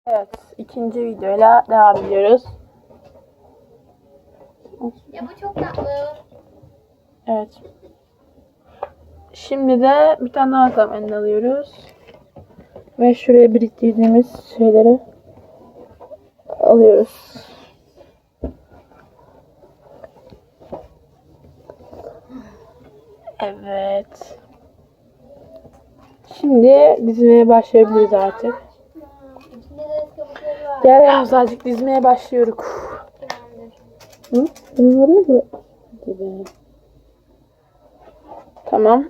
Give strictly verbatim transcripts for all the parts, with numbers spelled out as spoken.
Evet, ikinci videoyla devam ediyoruz. Ya bu çok tatlı. Evet. Şimdi de bir tane daha kamen alıyoruz. Ve şuraya biriktirdiğimiz şeyleri alıyoruz. Evet. Şimdi dizmeye başlayabiliriz artık. İçinde de kabukları var. Gel ya azıcık dizmeye başlıyoruz. Tamamdır. Hı? Bunu oraya mı? Hadi be. Tamam.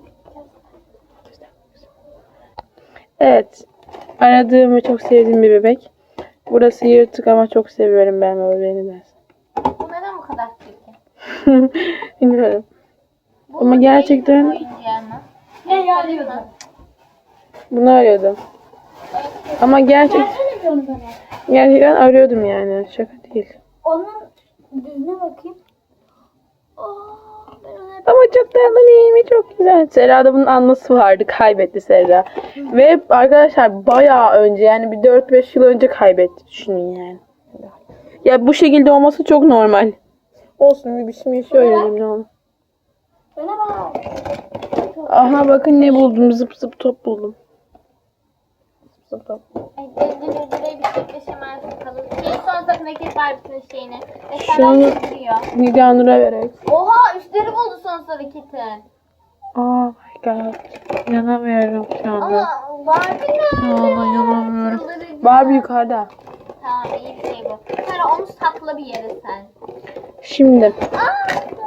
Evet. Aradığım ve çok sevdiğim bir bebek. Burası yırtık ama çok seviyorum ben bu bebeğini dersin. Bu neden bu kadar çirkin? Bilmiyorum. Bu Ama gerçekten- değil mi oyuncağı mı? Ne arıyordun? Bunu arıyordum. Ama gerçek gerçekten arıyordum yani. Şaka değil. Onun düzüne bakayım. Oh, ben ona hep... Ama çok tatlı değil mi? Çok güzel. Serra'da bunun anması vardı. Kaybetti Serra. Ve arkadaşlar bayağı önce yani bir dört beş yıl önce kaybetti. Düşünün yani. Ya bu şekilde olması çok normal. Olsun bir biçim yaşıyor yani ne olur. Bana bak. Aha bakın ne buldum. Zıp zıp top buldum. Zıp zıp top. Ay, döndür döndüre bir çiftleşemez bakalım. Şey son safındaki Barbie'nin şeyini. Ve Şu sen an- duruyor. Nida Nur'a vererek. Oha üstleri buldu son hareketin. Oh my god. İnanamıyorum şu anda. Ama Barbie Şu nerede? anda inanamıyorum. Çıldıracağım. Barbie yukarıda. Tamam iyi bir şey bu. Sonra onu sakla bir yere sen. Şimdi. Aa!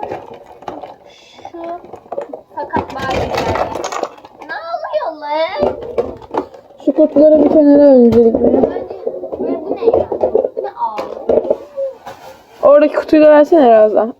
Şu sakat Barbie geldi. Ne oluyor lan? Şu kutuları bir kenara öncelikle. Bence böyle bu ne ya? Bu ne ağ? Oradaki kutuyu da versene Razan.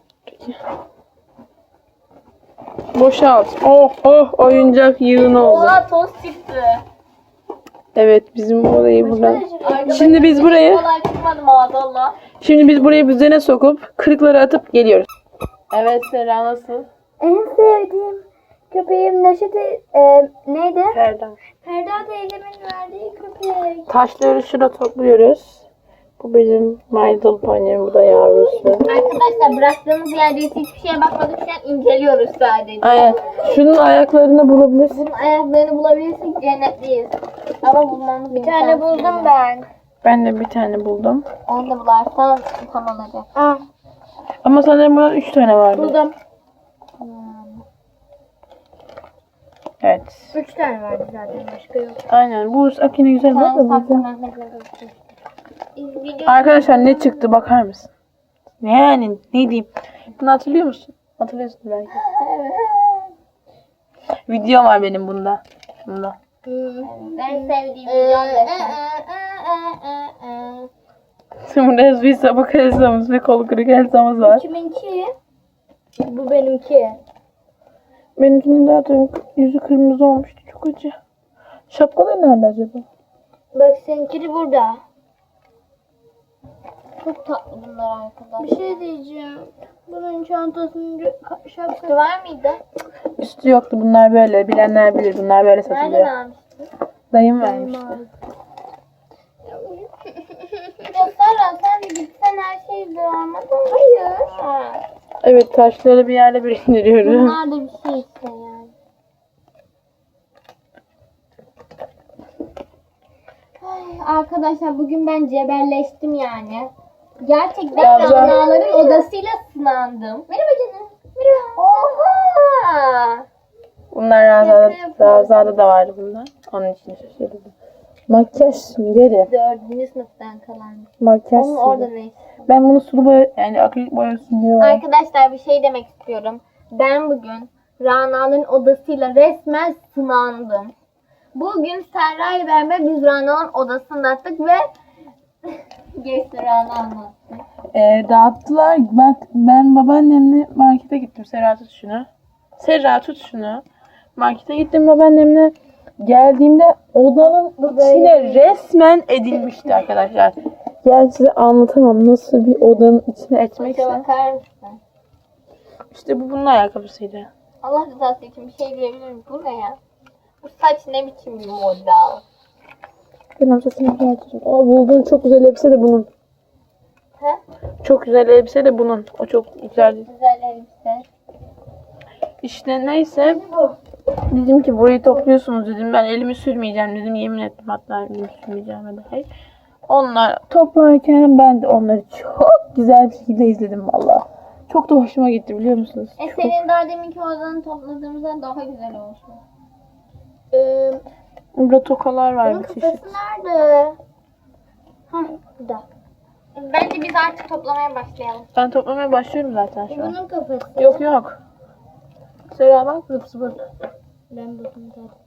Boşalt. Oh oh oyuncak yığını oldu. Oha toz çıktı. Evet bizim orayı buradan. Arkadaşlar, Şimdi biz burayı kolay çıkmadı maazallah. şimdi biz burayı düzene sokup kırıkları atıp geliyoruz. Evet Serra nasıl? En sevdiğim köpeğim Neşet e, neydi? Ferda. Ferda teyzemin verdiği köpek. Taşları şurada topluyoruz. Bu bizim My Little Pony, bu da yavrusu. Arkadaşlar bıraktığımız yerde hiçbir şeye bakmadık. Şu an inceliyoruz sadece. Aynen. Şunun ayaklarını bulabilirsin. Bunun ayaklarını bulabilirsek cennetliyiz. Ama bulmamız bir tane buldum ben. Ben de bir tane buldum. Onu da bularsan tam olacak. Ah, Ama sanırım bunun üç tane vardı. buldum. Evet. Üç tane vardı zaten başka yok. Aynen. Bu Akine güzel bak da Saklı bize. Mehmet'le buluştuk. Video- Arkadaşlar ne çıktı bakar mısın? Yani ne diyeyim? Bunu hatırlıyor musun? Hatırlıyorsun belki. Video var benim bunda. Bunda. En sevdiğim videom Şimdi burada bir sabah elsamız ve kol kırık elsamız var. Kiminki? Bu benimki. Benimkinin zaten yüzü kırmızı olmuştu. Çok acı. Şapkaları nerede acaba? Bak seninkini burada. Çok tatlı bunlar arkadaşlar. Bir şey diyeceğim. Bunun çantasının şapkası var mıydı? Üstü yoktu. Bunlar böyle. Bilenler bilir. Bunlar böyle Nereden satılıyor. almıştın? Dayım vermişti. Ya Sara sen de gitsen her şeyi almadın. Hayır. Ha. Evet taşları bir yerde biriktiriyoruz. Bunlar da bir şey işte yani. Ay, arkadaşlar bugün ben cebelleştim yani. Gerçekten Ramza. Ranaların odasıyla sınandım. Merhaba canım. Merhaba. Oha. Bunlar Raza'da, Raza'da da vardı bunlar. Onun için şaşırdım. Makyaj süngeri. Dördüncü sınıftan kalan. Makyaj Onun orada süngeri. ne? Ben bunu sulu boya yani akrilik boya süngeri var. Arkadaşlar bir şey demek istiyorum. Ben bugün Rana'nın odasıyla resmen sınandım. Bugün Serra ile beraber biz Rana'nın odasındaydık ve geçti Rana anlattı. Ee, dağıttılar. Bak ben babaannemle markete gittim. Serra tut şunu. Serra tut şunu. Markete gittim babaannemle. Geldiğimde odanın içine resmen edilmişti arkadaşlar. Yani size anlatamam nasıl bir odanın içine Başa etmekse. bakar mısın? İşte bu bunun ayakkabısıydı. Allah rızası için bir şey diyebilir miyim? Bu ne ya? Bu saç ne biçim bir model? Benim saçımı düzelteceğim. Aa, bulduğun çok güzel elbise de bunun. He? Çok güzel elbise de bunun. O çok güzel. Güzel elbise. İşte neyse. Bu. Dedim ki burayı topluyorsunuz dedim. Ben elimi sürmeyeceğim dedim. Yemin ettim hatta elimi sürmeyeceğim dahi. Onlar toplarken ben de onları çok güzel bir şekilde izledim valla. Çok da hoşuma gitti biliyor musunuz? E Çok. senin daha deminki odanı topladığımızdan daha güzel olmuş. Ee, Burada tokalar var bunun bir çeşit. kafası nerede? Ha, burada. Bence biz artık toplamaya başlayalım. Ben toplamaya başlıyorum zaten şu an. Bunun kafası. Yok yok. Sera bak zıp zıp. Ben buldum zaten.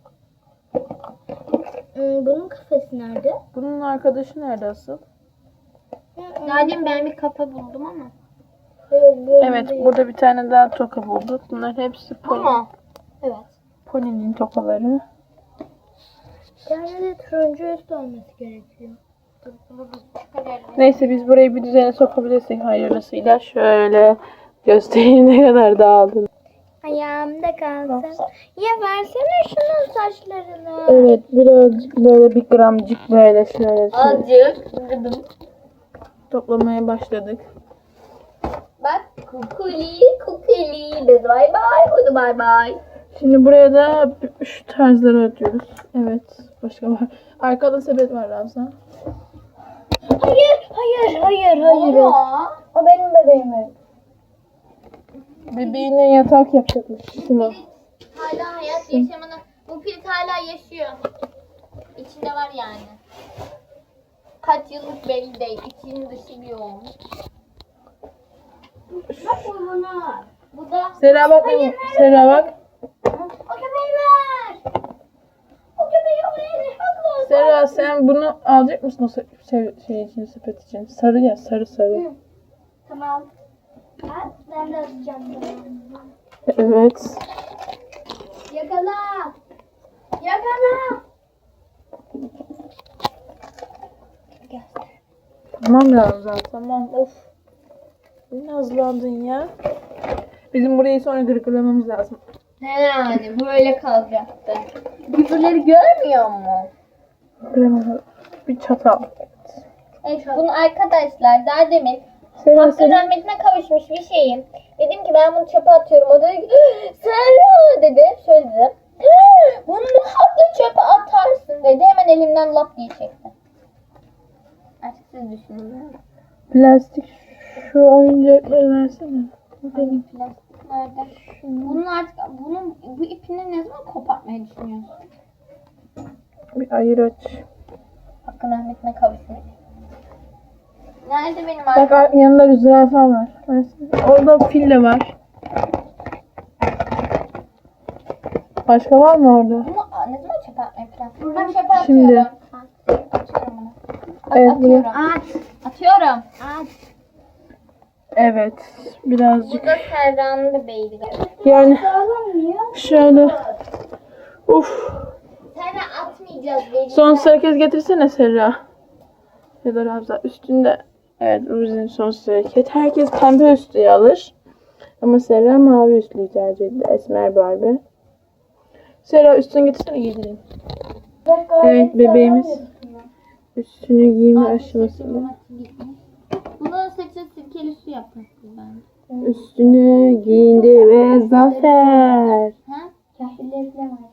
Hmm, bunun kafası nerede? Bunun arkadaşı nerede asıl? Zaten ben bir kafa buldum ama. Evet burada bir tane daha toka bulduk. Bunlar hepsi pony. Ama. Evet. Pony'nin tokaları. Yani de turuncu üst olması gerekiyor. Dur, bunu biz çıkaralım. Neyse biz burayı bir düzene sokabilirsek hayırlısıyla. Şöyle göstereyim ne kadar dağıldı. Ayağımda kalsın. Ya versene şunun saçlarını. Evet birazcık böyle bir gramcık böyle şöyle, şöyle Azıcık. toplamaya başladık. Bak kukuli kukuli. Biz bay bay. Hadi bay bay. Şimdi buraya da şu tarzları atıyoruz. Evet başka var. Arkada sepet var Ramza. Hayır hayır hayır hayır. O benim bebeğim. Bebeğine yatak yapacakmış. Şunu. Hala hayat yaşamını. Bu pirit hala yaşıyor. İçinde var yani. Kaç yıllık belli değil. İçinin dışı bir olmuş. Bak bu buna. Bu da. Sera bak. Hayır, Sera bak. O köpeği ver. O köpeği oraya ne haklı? Sera sen bunu alacak mısın o se- şey, şey için sepet için? Sarı ya sarı sarı. Tamam. Ha, ben de atacağım bunu. Evet. Yakala. Yakala. Gel. Tamam Ramza tamam of. Ne nazlandın ya. Bizim burayı sonra gırgırlamamız lazım. Ne yani böyle kalacaktı. Birbirleri görmüyor mu? Gırgırlamamız. Bir çatal. Evet, bunu arkadaşlar daha demin Sera hakkı senin. rahmetine kavuşmuş bir şeyim. Dedim ki ben bunu çöpe atıyorum. O da dedi ki Serra dedi. Şöyle dedi. Bunu ne haklı çöpe atarsın dedi. Hemen elimden lap diye çekti. Artık siz düşünün. Plastik şu oyuncakları versene. Benim plastik nerede? Bunun artık bunun bu ipini ne zaman kopartmayı düşünüyorsun? Bir ayır aç. Hakkın rahmetine kavuşmuş. Nerede benim Bak arkadaşım? yanında bir zürafa var. Versene. Orada fil de var. Başka var mı orada? Bunu aa, ne zaman çöpe atmayı plan? Buradan çöpe atıyorum. Şimdi. Ha, atıyorum bunu. At, Evet, atıyorum. bunu- At. Atıyorum. At. Evet. Birazcık. Bu da Serra'nın bebeğiydi. Yani şöyle. Uf. Serra atmayacağız. Vereceğiz. Son hareket getirsene Serra. Ya da Ramza. Üstünde. Evet Ruzi'nin son hareket. Herkes pembe üstlüğü alır. Ama Serra mavi üstlüğü tercih etti. Esmer Barbie. Serra üstünü getirsene giydireyim. Evet bebeğimiz üstünü giyme aşamasında. Bunun saçı sirkeli su yapmıştım ben. Üstünü giyindi ve zafer. Ha? Kahveleri de var.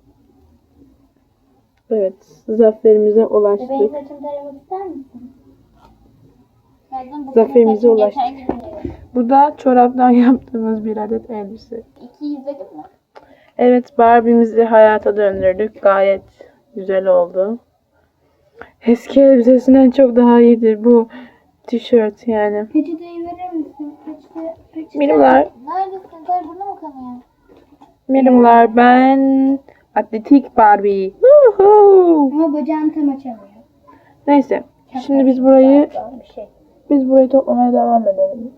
Evet zaferimize ulaştık. Bebeğin saçını taramak ister misin? Zaten bu Zaferimize saçın ulaştık. geçen gün- Bu da çoraptan yaptığımız bir adet elbise. İki izledin mi? Evet Barbie'mizi hayata döndürdük. Gayet güzel oldu. Eski elbisesinden çok daha iyidir bu tişört yani. Peçeteyi verir misin? Peçete, peçete. Mirimler, Neredesin? Kar burada mı kanıyor? mirimler ben atletik Barbie. Woohoo! Ama bacağını tam açamıyor. Neyse. Şimdi biz burayı Bir şey. biz burayı toplamaya devam edelim.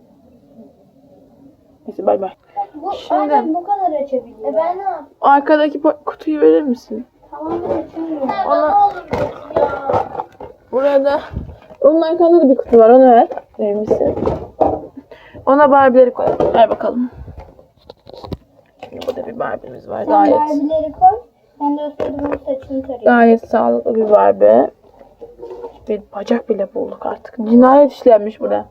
Neyse bay bay. Bu Şimdi- ancak bu kadar açabiliyor. E ben ne yapayım? Arkadaki po- kutuyu verir misin? Tamam ben açamıyorum. Ona- ne olur ya. Burada onun arkasında da bir kutu var. Onu ver. Verir misin? Ona Barbie'leri koy. Ver bakalım. Şimdi burada bir Barbie'miz var. Sen Gayet Barbie'leri koy. Ben de o sırada bunun saçını tarayayım. gayet sağlıklı bir Barbie. bir bacak bile bulduk artık. Cinayet işlenmiş burada.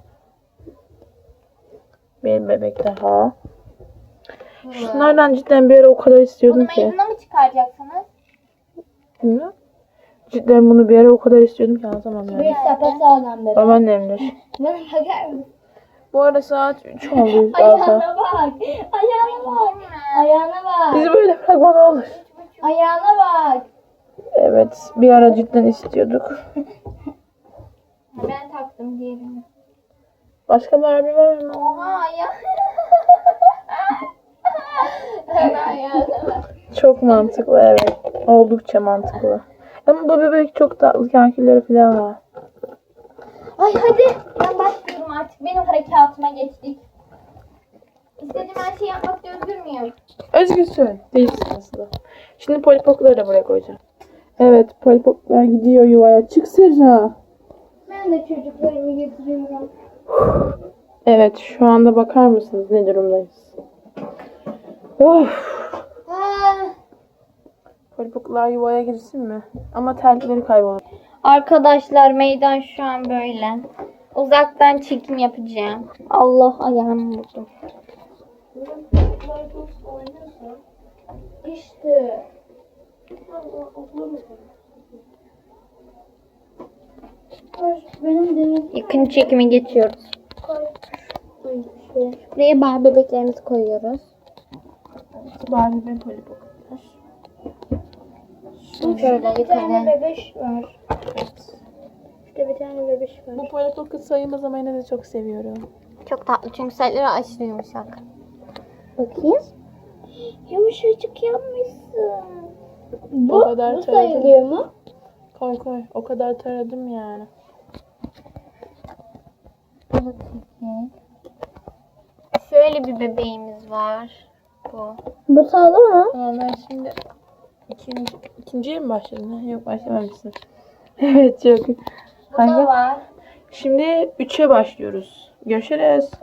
Bir bebek daha. Şunlardan cidden bir ara o kadar istiyordum Bunu ki. meydana mı çıkaracaksınız? Bilmiyorum. Cidden bunu bir ara o kadar istiyordum ki anlatamam yani. Bir sapasağlam bebek. Babaannemdir. Bana bakar mısın? Bu arada saat üç oldu. Ayağına Ayağına. bak. Ayağına bak. Ayağına bak. Bizi böyle bırakma ne olur. Ayağına bak. Evet. Bir ara cidden istiyorduk. Ben taktım diyelim. Başka Barbie var mı? Oha ayağı. Bana ayağına bak. Çok mantıklı evet. Oldukça mantıklı. Ama bu bebek çok tatlı kankilleri falan var. Ay hadi. Ben başlıyorum artık. Benim harekatıma geçtik. İstediğim her şeyi yapmakta özgür müyüm? Özgürsün. Değilsin aslında. Şimdi polipokları da buraya koyacağım. Evet polipoklar gidiyor yuvaya. Çık Serra. Ben de çocuklarımı getiriyorum. Evet şu anda bakar mısınız ne durumdayız? Of. Ah. Polipoklar yuvaya girsin mi? Ama terlikleri kaybolur. Arkadaşlar meydan şu an böyle. Uzaktan çekim yapacağım. Allah ayağımı vurdum. İşte. Benim de yakın çekime geçiyoruz. Buraya bar bebeklerimizi koyuyoruz. Barbie ve polipoklar. Şöyle yukarı. bebeş var. İşte bir tane bebeş var. Bu polipoklar sayılmaz ama yine de çok seviyorum. Çok tatlı çünkü sayıları aşırı yumuşak. Bakayım. Yumuşacık yapmışsın. Bu, O kadar bu taradım. sayılıyor mu? Koy koy. O kadar taradım yani. Şöyle bir bebeğimiz var. Bu. Bu sağlam mı? Tamam ben şimdi ikinci, ikinciye mi başladın? Yok başlamamışsın. Evet çok. Bu da var. Şimdi üçe başlıyoruz. Görüşürüz.